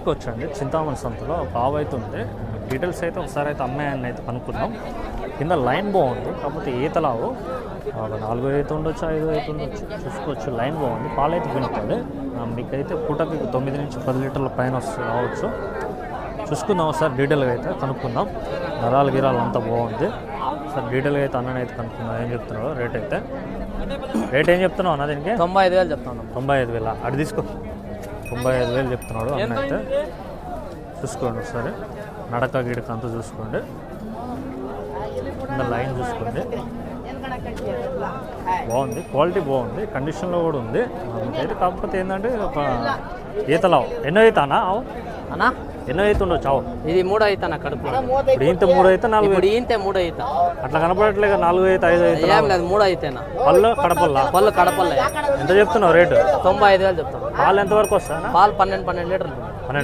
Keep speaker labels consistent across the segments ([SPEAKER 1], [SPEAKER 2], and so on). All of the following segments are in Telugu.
[SPEAKER 1] చూసుకోవచ్చండి చింతామణి సంతలో ఒక ఆవు అయితే ఉంది. డీటెయిల్స్ అయితే ఒకసారి అయితే అమ్మాయిని అయితే కనుక్కుందాం. కింద లైన్ బాగుంది, కాకపోతే ఈతలావు 4 అయితే ఉండొచ్చు, 5 అయితే ఉండొచ్చు. చూసుకోవచ్చు, లైన్ బాగుంది, పాలు అయితే పిండుతుంది. మీకైతే పూటకి 9 నుంచి 10 లీటర్ల పైన రావచ్చు. చూసుకుందాం ఒకసారి డీటెయిల్గా అయితే కనుక్కుందాం. నరాలు గిరాలు అంతా బాగుంది. సార్ డీటెయిల్గా అయితే అన్నని అయితే కనుక్కుందాం ఏం చెప్తున్నాడు. రేట్ ఏం చెప్తున్నావు అన్న దీనికి?
[SPEAKER 2] 95,000 చెప్తాను.
[SPEAKER 1] 95,000 అటు తీసుకో. 95,000 చెప్తున్నాడు అన్న అయితే. చూసుకోండి ఒకసారి నడక గిడక అంతా చూసుకోండి, కింద లైన్ చూసుకోండి, బాగుంది, క్వాలిటీ బాగుంది, కండిషన్లో కూడా ఉంది. అయితే కాకపోతే ఏంటంటే ఒక ఈతలావు ఎన్నో అవుతా అన్న ఆవు
[SPEAKER 2] అన్నా
[SPEAKER 1] ఎన్నో అయితే ఉండొచ్చు చావు?
[SPEAKER 2] ఇది 3 అయితే నా కడుపు.
[SPEAKER 1] ఇప్పుడు ఇంత 3 అయితే 4
[SPEAKER 2] ఇంతే 3 అయితే
[SPEAKER 1] అట్లా కనపడట్లేదు. 4 అయితే 5 అయితే
[SPEAKER 2] ఏం లేదు, 3 అయితేనా.
[SPEAKER 1] పళ్ళు కడపల్లా?
[SPEAKER 2] పళ్ళు కడపల్ల.
[SPEAKER 1] ఎంత చెప్తున్నావు రేటు?
[SPEAKER 2] 95,000 చెప్తాను.
[SPEAKER 1] పాలు ఎంతవరకు వస్తా?
[SPEAKER 2] పాలు 12 లీటర్లు.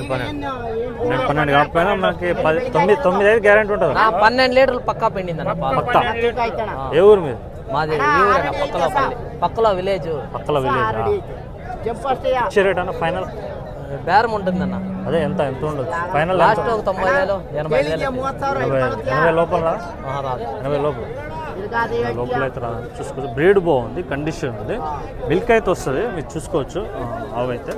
[SPEAKER 1] 12 కాకపోయినా మనకి 9 అయితే గ్యారెంటీ ఉంటుంది.
[SPEAKER 2] 12 లీటర్లు పక్కా పిండిందన్న పాలు.
[SPEAKER 1] పక్కా. ఏ ఊరు మీద?
[SPEAKER 2] మాది ఈ ఊరేనా, పక్కలో విలేజ్.
[SPEAKER 1] పక్కల విలేజ్. ఇచ్చే రేట్ అన్న ఫైనల్
[SPEAKER 2] బేరం ఉంటుందన్న.
[SPEAKER 1] అదే ఎంత ఉండొచ్చు ఫైనల్?
[SPEAKER 2] లాస్ట్ ఒక 90,000 85,000.
[SPEAKER 1] 80 లోపల రాదు. 80 లోపల అయితే రాదు. చూసుకోవచ్చు, బ్రీడ్ బాగుంది, కండిషన్ ఉంది, మిల్క్ అయితే వస్తుంది. మీరు చూసుకోవచ్చు ఆవు అయితే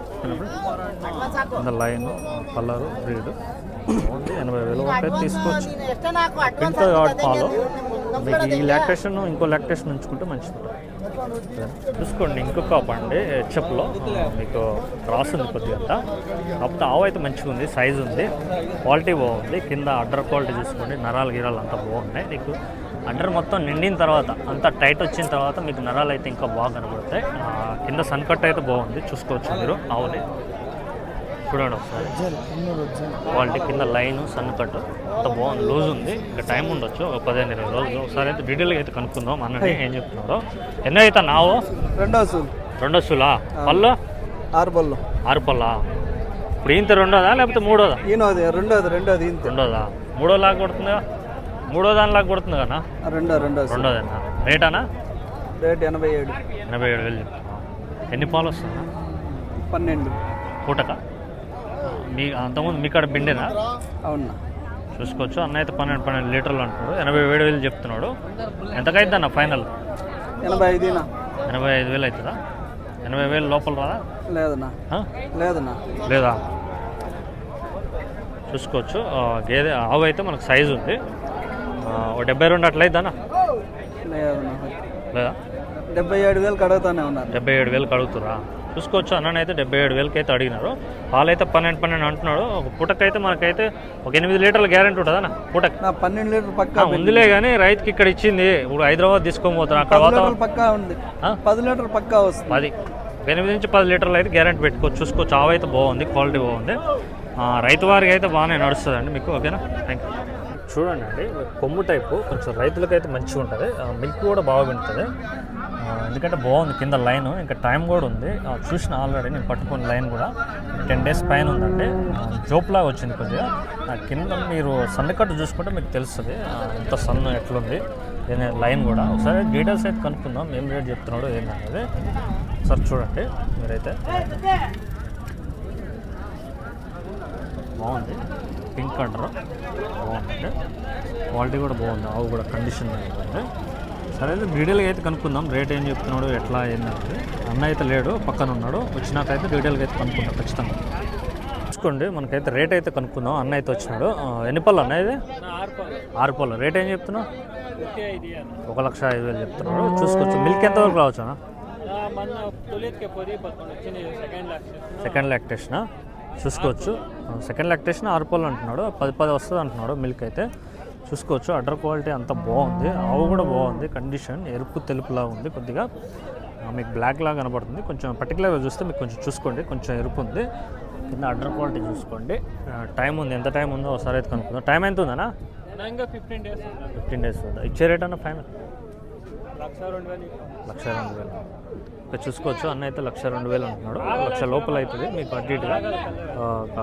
[SPEAKER 1] లైన్ కలరు బ్రీడ్ బాగుంది. 80,000 వరకు అయితే తీసుకోవచ్చు. ఇంట్లో కాబట్టి పాలు మీకు ఈ లాక్టేషన్ ఇంకో లాక్టేషన్ ఉంచుకుంటే మంచిది. చూసుకోండి ఇంకొక కాపు అండి హెచ్ఎఫ్లో మీకు క్రాస్ ఉంది కొద్దిగా. కాకపోతే ఆవు అయితే మంచిగా ఉంది, సైజు ఉంది, క్వాలిటీ బాగుంది. కింద అడ్డర్ క్వాలిటీ చూసుకోండి, నరాలు గిరాలు అంతా బాగున్నాయి. మీకు అడ్డర్ మొత్తం నిండిన తర్వాత అంతా టైట్ వచ్చిన తర్వాత మీకు నరాలు అయితే ఇంకా బాగా కనబడతాయి. కింద సన్ కట్ అయితే బాగుంది, చూసుకోవచ్చు మీరు ఆవుని. చూడండి ఒకసారి క్వాలిటీ, కింద లైన్ సన్ కట్ అంత బాగుంది, లూజ్ ఉంది. ఇంకా టైం ఉండొచ్చు ఒక 15-20 రోజులు. ఒకసారి అయితే డీటెయిల్గా అయితే కనుక్కుందాం అన్నని ఏం చెప్తున్నారో. ఎన్నో అవుతా నావు? రెండో సూలా? పళ్ళు 6 పళ్ళా? ఇప్పుడు ఇంత రెండోదా లేకపోతే మూడోదా? రెండోదా? మూడో లాగా కొడుతుందా? మూడో దానిలాగా కొడుతుంది కదా? రెండోదేనా? రేటానా?
[SPEAKER 2] రేట్
[SPEAKER 1] 87,000 చెప్తున్నా. ఎన్ని పాలు వస్తుందా?
[SPEAKER 2] 12
[SPEAKER 1] పూటక? మీ అంతకుముందు మీ కాడ పిండేనా?
[SPEAKER 2] అవునా?
[SPEAKER 1] చూసుకోవచ్చు, అన్న అయితే 12 లీటర్లు అంటున్నాడు. 87,000 చెప్తున్నాడు. ఎంతకైద్ది అన్న ఫైనల్? 85,000 అవుతుందా? 80,000 లోపల రాదా? లేదా? చూసుకోవచ్చు, గేదె ఆవు అయితే మనకు సైజు ఉంది. 72 అట్లయిద్దానా? లేదా?
[SPEAKER 2] 77,000 కడుగుతానే ఉన్నారు.
[SPEAKER 1] 77,000 అడుగుతురా? చూసుకోవచ్చు, అన్నని అయితే 77,000 అయితే అడిగినారు. పాలు అయితే 12 అంటున్నాడు. ఒక పూటకైతే మనకైతే ఒక 8 లీటర్ల గ్యారెంటీ ఉంటుంది అన్న పూటకి.
[SPEAKER 2] 12 లీటర్ పక్కా
[SPEAKER 1] ఉందిలే కానీ రైతుకి ఇక్కడ ఇచ్చింది. ఇప్పుడు హైదరాబాద్ తీసుకొని పోతారు, అక్కడ
[SPEAKER 2] పక్కా ఉంది. 10 లీటర్ పక్కా వస్తుంది.
[SPEAKER 1] 8 నుంచి 10 లీటర్లు అయితే గ్యారెంటీ పెట్టుకోవచ్చు. చూసుకోవచ్చు, ఆవు అయితే బాగుంది, క్వాలిటీ బాగుంది. రైతు వారికి అయితే బాగానే నడుస్తుంది అండి మీకు. ఓకేనా? Thank you. చూడండి అండి, కొమ్ము టైపు కొంచెం రైతులకైతే మంచిగా ఉంటుంది. మిల్క్ కూడా బాగా వింటుంది, ఎందుకంటే బాగుంది. కింద లైన్ ఇంకా టైం కూడా ఉంది. చూసిన ఆల్రెడీ నేను పట్టుకున్న లైన్ కూడా 10 డేస్ పైన ఉందండి. జోప్లాగా వచ్చింది కొద్దిగా. కింద మీరు సన్నకట్టు చూసుకుంటే మీకు తెలుస్తుంది ఎంత సన్ను ఎట్లుంది లైన్ కూడా. ఒకసారి డీటెయిల్స్ అయితే కనుక్కుందాం, ఏం రేట్ చెప్తున్నాడో ఏంటనేది. ఒకసారి చూడండి మీరైతే. బాగుంది, పింక్ అంటారు, బాగుందండి, క్వాలిటీ కూడా బాగుంది. ఆవు కూడా కండిషన్ బాగుంది. సరే అయితే డీటెయిల్గా అయితే కనుక్కుందాం, రేట్ ఏం చెప్తున్నాడు ఎట్లా ఏంటంటే. అన్న అయితే లేడు, పక్కన ఉన్నాడు. వచ్చినాకైతే డీటెయిల్గా అయితే కనుక్కుందాం ఖచ్చితంగా. చూసుకోండి, మనకైతే రేట్ అయితే కనుక్కుందాం. అన్న అయితే వచ్చినాడు. ఎన్ని పళ్ళు అన్న ఇది? 6 పళ్ళు. రేట్ ఏం చెప్తున్నావు? 1,05,000 చెప్తున్నాడు. చూసుకోవచ్చు, మిల్క్ ఎంతవరకు రావచ్చు అన్న? సెకండ్ లాక్టేషనా? చూసుకోవచ్చు, సెకండ్ లాక్టేషన్ 6 పళ్ళు అంటున్నాడు. 10 వస్తుంది అంటున్నాడు మిల్క్ అయితే. చూసుకోవచ్చు, అడ్డర్ క్వాలిటీ అంతా బాగుంది. ఆవు కూడా బాగుంది, కండిషన్ ఎరుపు తెలుపులా ఉంది కొద్దిగా. మీకు బ్లాక్ లాగా కనబడుతుంది. కొంచెం పర్టికులర్గా చూస్తే మీకు కొంచెం చూసుకోండి, కొంచెం ఎరుపు ఉంది. కింద అడ్డర్ క్వాలిటీ చూసుకోండి. టైం ఉంది, ఎంత టైం ఉందో ఒకసారి అయితే కనుక్కుందాం. టైం ఎంత ఉందన్నా? 15 డేస్ ఉందా? ఇచ్చే రేట్ అన్న ఫైనల్? 1,02,000. ఇక్కడ చూసుకోవచ్చు, అన్న అయితే 1,02,000 అంటున్నాడు. 1,00,000 లోపల అవుతుంది మీకు అటు ఇటుగా. ఒక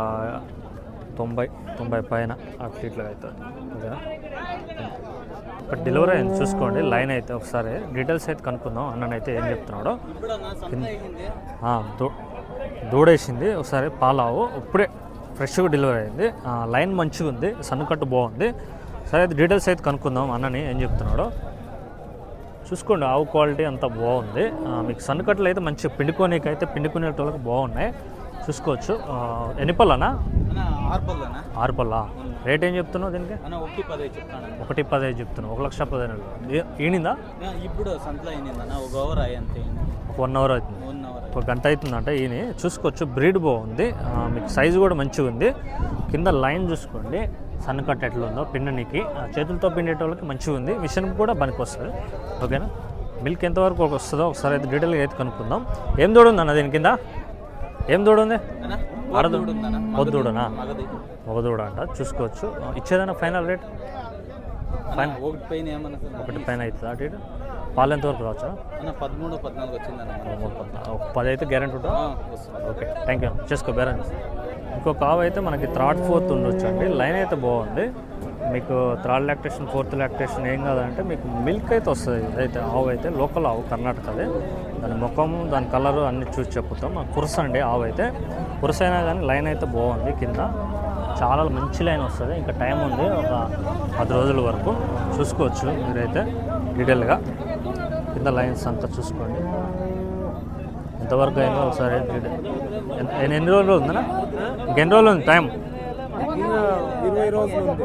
[SPEAKER 1] 90 పైన అటు ఇట్లా అవుతుంది. ఓకేనా? ఇక్కడ డెలివరీ అయింది చూసుకోండి. లైన్ అయితే ఒకసారి డీటెయిల్స్ అయితే కనుక్కుందాం. అన్ననైతే ఏం చెప్తున్నాడో. దూడేసింది ఒకసారి పాలావు ఇప్పుడే ఫ్రెష్గా డెలివరీ అయింది. లైన్ మంచిగా ఉంది, సన్నకట్టు బాగుంది. సరే అయితే డీటెయిల్స్ అయితే కనుక్కుందాం అన్నని ఏం చెప్తున్నాడో. చూసుకోండి, ఆవు క్వాలిటీ అంతా బాగుంది. మీకు సన్నకట్లు అయితే మంచిగా పిండుకోనీకి అయితే పిండుకునేటోళ్ళకి బాగున్నాయి, చూసుకోవచ్చు. ఎన్ని పళ్ళనా? 6 పళ్ళ. రేట్ ఏం చెప్తున్నావు దీనికి? 1,15 చెప్తున్నావు. 1,15,000 ఈనిందా?
[SPEAKER 2] ఇప్పుడు సంతలో ఒక అవర్ అంతే,
[SPEAKER 1] 1 అవర్ అవుతుంది, 1 గంట అవుతుందంట ఈయన. చూసుకోవచ్చు, బ్రీడ్ బాగుంది, మీకు సైజు కూడా మంచిగా ఉంది. కింద లైన్ చూసుకోండి, సన్నకట్ట ఎట్లా ఉందో పిండనికి. చేతులతో పిండేటోళ్ళకి మంచిగా ఉంది, మిషన్ కూడా పనికి వస్తుంది. ఓకేనా? మిల్క్ ఎంతవరకు వస్తుందో ఒకసారి అయితే డీటెయిల్గా అయితే కనుక్కుందాం. ఏం దూడ ఉందన్న దీని కింద? ఏం దూడ ఉంది? పొద్దుడనా? ఒక దూడ అంట. చూసుకోవచ్చు. ఇచ్చేదన్నా ఫైనల్ రేట్? ఫైనల్ 1 పైన అవుతుంది. అటు ఇటు పాలు ఎంతవరకు రావచ్చు?
[SPEAKER 2] 13-14 వచ్చిందన్న.
[SPEAKER 1] 10 అయితే గ్యారెంటీ ఉంటుంది. Okay, thank you. చేసుకో బేరం. ఇంకొక ఆవు అయితే మనకి 3rd 4th ఉండొచ్చు అండి. లైన్ అయితే బాగుంది. మీకు 3rd లాక్టేషన్ 4th లాక్టేషన్ ఏం కాదంటే మీకు మిల్క్ అయితే వస్తుంది. ఇదైతే ఆవు అయితే లోకల్ ఆవు, కర్ణాటకదే. దాని ముఖము, దాని కలరు అన్నీ చూసి చెప్పుతాం. కురస అండి ఆవు అయితే. కురస అయినా కానీ లైన్ అయితే బాగుంది. కింద చాలా మంచి లైన్ వస్తుంది. ఇంకా టైం ఉంది, ఒక 10 రోజుల వరకు. చూసుకోవచ్చు మీరైతే డీటెయిల్గా. కింద లైన్స్ అంతా చూసుకోండి ఎంతవరకు అయిందో ఒకసారి. ఎన్ని రోజులు ఉందన్నా? ఇంకెన్ని రోజులు ఉంది టైం?
[SPEAKER 2] 20 రోజులు ఉంది.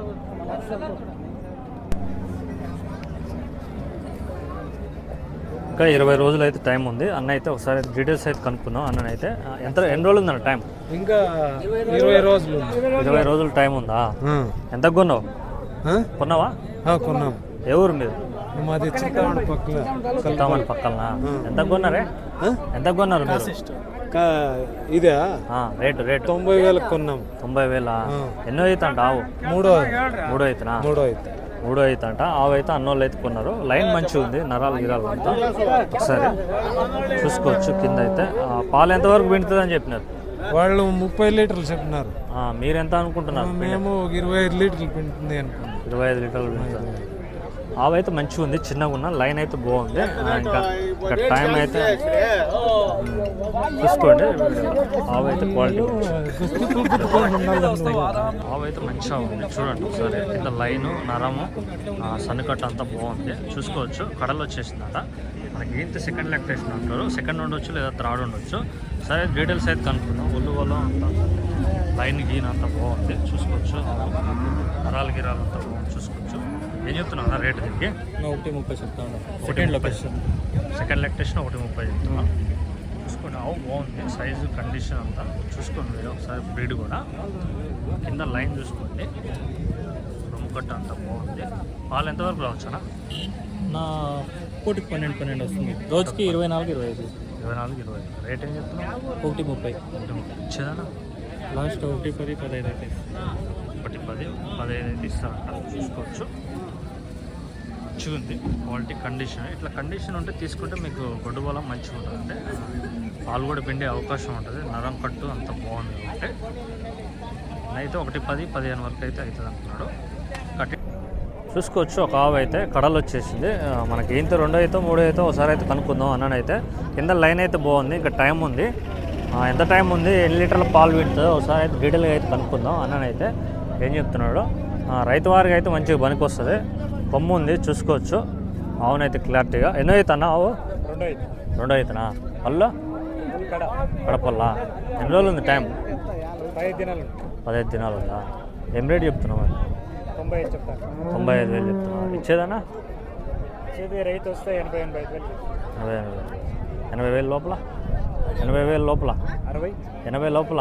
[SPEAKER 1] ఇంకా 20 రోజులు అయితే టైం ఉంది. అన్న అయితే ఒకసారి డీటెయిల్స్ అయితే కనుక్కుందాం. అన్ననైతే ఎన్ని రోజులు ఉందన్న టైం?
[SPEAKER 2] ఇంకా 20 రోజులు.
[SPEAKER 1] 20 రోజులు టైం ఉందా? ఎంత కొన్నావు? కొన్నావా?
[SPEAKER 2] కొన్నాం.
[SPEAKER 1] ఏ ఊరు మీరు?
[SPEAKER 2] మాది
[SPEAKER 1] చింతామణి పక్కన. ఎంత కొన్నారే? ఎంత కొన్నారు మీరు?
[SPEAKER 2] ఇదే
[SPEAKER 1] రేటు
[SPEAKER 2] 90,000 కొన్నాం.
[SPEAKER 1] 90,000. ఎన్నో అవుతాంట ఆవు? మూడో అవుతున్నా. మూడో అవుతాంట. ఆవు అయితే అన్నోళ్ళు అయితే కొన్నారు. లైన్ మంచిగా ఉంది, నరాలు గిరాలు అంతా. ఒకసారి చూసుకోవచ్చు. కింద అయితే పాలు ఎంతవరకు పిండుతుంది అని చెప్పినారు
[SPEAKER 2] వాళ్ళు? 30 లీటర్లు చెప్పినారు.
[SPEAKER 1] మీరు ఎంత అనుకుంటున్నారు?
[SPEAKER 2] మేము 25 లీటర్లు పిండుతుంది అనుకుంటున్నాం.
[SPEAKER 1] 25 లీటర్లు పిండుతుంది. ఆవు అయితే మంచిగా ఉంది, చిన్నగా ఉన్న లైన్ అయితే బాగుంది. ఇంకా టైం అయితే చూసుకోండి. ఆవు అయితే క్వాలిటీ ఆవు అయితే మంచిగా ఉంది. చూడండి ఒకసారి. కింద లైను, నరము, సన్నకట్ట అంతా బాగుంది. చూసుకోవచ్చు. కడలు వచ్చేసిందట. మనకి ఏంటి సెకండ్ లాక్టేషన్ అంటారు. సెకండ్ ఉండొచ్చు లేదా 3rd ఉండొచ్చు. సరే డీటెయిల్స్ అయితే కనుక్కుందాం. ఒళ్ళు అంతా లైన్ గీన్ అంతా బాగుంది. చూసుకోవచ్చు. నరాలు గిరాలు అంతా బాగుంది. చూసుకోవచ్చు. ఏం చెప్తున్నా రేట్ దీనికి?
[SPEAKER 2] 1,30 చెప్తాను.
[SPEAKER 1] సెకండ్ లాక్టేషన్ 1,30 చెప్తున్నా. చూసుకోండి. ఆవు బాగుంది, సైజు కండిషన్ అంతా చూసుకోండి మీరు ఒకసారి. బ్రీడ్ కూడా కింద లైన్ చూసుకోండి. రొమ్ముకట్ట అంతా బాగుంది. పాలు ఎంతవరకు రావచ్చునా?
[SPEAKER 2] నా 12 వస్తుంది. రోజుకి 24-25.
[SPEAKER 1] 24-25. రేట్ ఏం చెప్తున్నా?
[SPEAKER 2] 1,30.
[SPEAKER 1] ఇచ్చేదానా?
[SPEAKER 2] లాస్ట్ 1,10-15 అయితే.
[SPEAKER 1] 1,10-15 అయితే ఇస్తానంట. చూసుకోవచ్చు. మంచిగా ఉంది క్వాలిటీ, కండిషన్. ఇట్లా కండిషన్ ఉంటే తీసుకుంటే మీకు గొడ్డు బలం మంచిగా ఉంటుంది. అంటే పాలు కూడా పిండే అవకాశం ఉంటుంది. నరం కట్టు అంత బాగుంది. అంటే అయితే 1,10-15 వరకు అయితే అవుతుంది అంటున్నాడు. కట్టి చూసుకోవచ్చు. ఒక ఆవు అయితే కడలు వచ్చేసింది. మనకి ఏంటి 2 అయితే 3 అయితే ఒకసారి అయితే కనుక్కుందాం. అన్ననైతే కింద లైన్ అయితే బాగుంది. ఇంకా టైం ఉంది. ఎంత టైం ఉంది, ఎన్ని లీటర్ల పాలు వింటుందో ఒకసారి అయితే డీటెయిల్గా అయితే కనుక్కుందాం. అన్ననైతే ఏం చెప్తున్నాడు. రైతు వారికి అయితే మంచిగా పనికి వస్తుంది. కొమ్ము ఉంది, చూసుకోవచ్చు. ఆవునైతే క్లారిటీగా. ఎన్నో అవుతానా ఆవు? 2 అవుతున్నా. పళ్ళు కడపల్లా. ఎన్ని రోజులు ఉంది టైం? 15 దినాలు ఉందా? ఏం రేట్ చెప్తున్నావు మరి? 95,000 చెప్తున్నా. ఇచ్చేదానా?
[SPEAKER 2] రైతు వస్తే 80,000
[SPEAKER 1] 80,000 లోపల? 80,000 లోపల? 80 లోపల?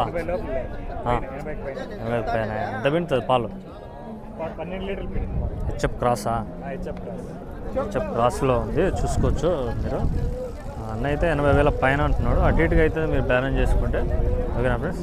[SPEAKER 1] 80 పైన. ఎంత పిండుతుంది పాలు?
[SPEAKER 2] 12 లీటర్లు.
[SPEAKER 1] హెచ్ఎఫ్ క్రాసా? హెచ్ఎఫ్ క్రాస్లో ఉంది. చూసుకోవచ్చు మీరు. అన్న అయితే 80,000 పైన అంటున్నాడు. అటు ఇటుగా అయితే మీరు బ్యాలెన్స్ చేసుకుంటే. ఓకేనా ఫ్రెండ్స్?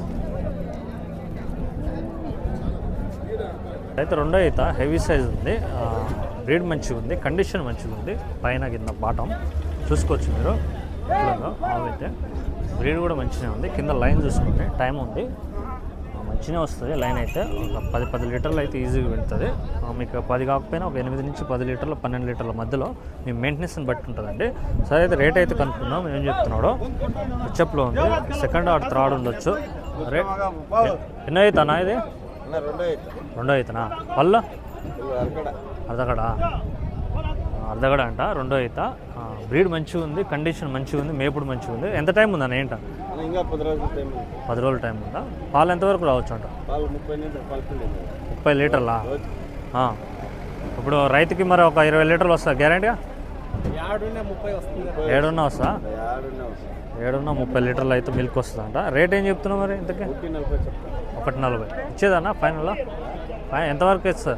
[SPEAKER 1] అయితే 2 అయితే హెవీ సైజ్ ఉంది. బ్రీడ్ మంచిగా ఉంది, కండిషన్ మంచిగా ఉంది. పైన కింద బాటం చూసుకోవచ్చు మీరు. ఇట్లాగా ఆవు అయితే బ్రీడ్ కూడా మంచిగా ఉంది. కింద లైన్ చూసుకుంటే టైం ఉంది, మంచిగా వస్తుంది. లైన్ అయితే ఒక 10 లీటర్లు అయితే ఈజీగా వెళ్తుంది. మీకు 10 కాకపోయినా ఒక 8 నుంచి 10 లీటర్లు 12 లీటర్ల మధ్యలో మీ మెయింటెనెన్స్ని బట్టి ఉంటుందండి. సరే అయితే రేట్ అయితే కనుక్కుందాం. ఏం చెప్తున్నాడో. హెచ్ఎఫ్లో ఉంది. 2nd or 3rd ఉండొచ్చు. రేట్ ఎన్నో అవుతానా ఇది రెండో అవుతానా పళ్ళు అర్ధగడ అర్ధగడ అంట రెండో అవుత బ్రీడ్ మంచిగా ఉంది, కండిషన్ మంచిగా ఉంది, మేపుడు మంచిగా ఉంది. ఎంత టైం ఉందన్న ఏంట?
[SPEAKER 3] ఇంకా
[SPEAKER 1] 10 రోజుల టైం ఉందా? పాలు ఎంతవరకు రావచ్చు అంట? 30 లీటర్లా? ఇప్పుడు రైతుకి మరి ఒక 20 లీటర్లు వస్తా గ్యారంటీగా? 7 వస్తా? 30 లీటర్లు అయితే మిల్క్ వస్తుందంట. రేట్ ఏం చెప్తున్నావు మరి ఇంతకీ? 140 ఇచ్చేదన్నా ఫైనల్లో? ఎంతవరకు ఇస్తుంది?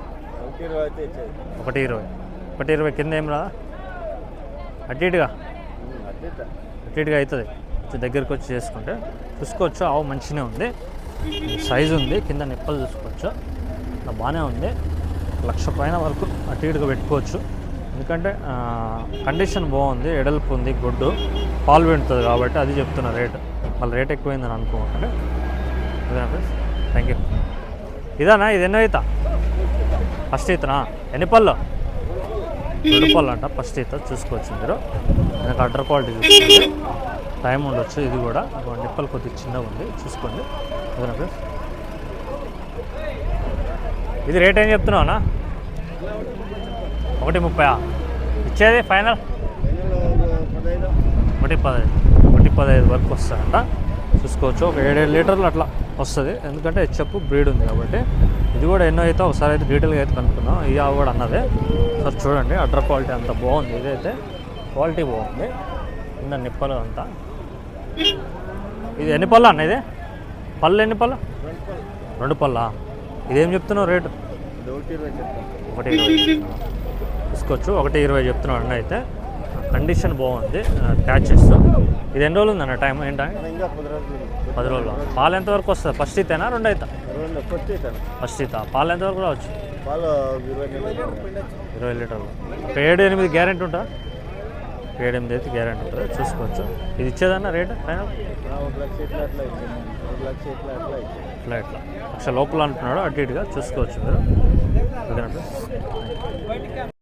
[SPEAKER 1] 120 కింద ఏం రాదా? అటు ఇటుగా అవుతుంది. దగ్గరికి వచ్చి చేసుకుంటే చూసుకోవచ్చు. ఆవు మంచిగానే ఉంది, సైజు ఉంది, కింద నిప్పలు చూసుకోవచ్చు, బాగానే ఉంది. 1,00,000 పైన వరకు అటు ఇటుగా పెట్టుకోవచ్చు. ఎందుకంటే కండిషన్ బాగుంది, ఎడల్పు ఉంది, గుడ్డు పాలు పెడుతుంది కాబట్టి అది చెప్తున్నా రేటు. మళ్ళీ రేట్ ఎక్కువైందని అనుకోకండి. అదేనా ఫ్రెండ్స్? Thank you. ఇదానా? ఇది ఎన్నో అవుతా? ఫస్ట్ ఈతనా? ఎన్ని పళ్ళు? 2 పళ్ళు అంట ఫస్ట్ ఈత. చూసుకోవచ్చు మీరు. నాకు అడ్డర్ క్వాలిటీ చూసుకోండి, టైం ఉండొచ్చు. ఇది కూడా నిప్పలు కొద్దిగా చిన్నగా ఉంది, చూసుకోండి. అదేనా ఫ్రెండ్స్? ఇది రేట్ ఏం చెప్తున్నావునా? 130 ఇచ్చేది ఫైనల్? 115 వరకు వస్తుందంట. చూసుకోవచ్చు. ఒక 7 లీటర్లు అట్లా వస్తుంది, ఎందుకంటే హెచ్ఎఫ్ బ్రీడ్ ఉంది కాబట్టి. ఇది కూడా ఎన్నో అయితే ఒకసారి అయితే డీటెయిల్గా అయితే కనుక్కున్నాం. ఈ ఆవు కూడా అన్నదే. సార్ చూడండి, అడ్డర్ క్వాలిటీ అంతా బాగుంది. ఇదైతే క్వాలిటీ బాగుంది, కింద నిప్పలు అంతా. ఇది ఎన్ని పళ్ళు అన్న? ఇది పళ్ళు ఎన్ని పళ్ళు? 2 పళ్ళా? ఇదేం చెప్తున్నావు రేటు? 120 తీసుకోవచ్చు. 120 చెప్తున్నాడు అన్న. అయితే కండిషన్ బాగుంది, ట్యాచెస్. ఇది ఎన్ని రోజులు ఉందన్న టైం? ఏంటంటే 10 రోజులు. పాలు ఎంతవరకు వస్తుంది? ఫస్ట్ ఈతేనా రెండో అవుతా? ఫస్ట్ ఈత. పాలు ఎంతవరకు రావచ్చు? 20 లీటర్లు. ఒక 7-8 గ్యారెంటీ ఉంటుందా? 7-8 అయితే గ్యారెంటీ ఉంటుంది. చూసుకోవచ్చు. ఇది ఇచ్చేదన్న రేటు ఫైనల్? ఇట్లా 1,00,000 లోపల అంటున్నాడు, అటు ఇటుగా చూసుకోవచ్చు మీరు. ఓకేనా?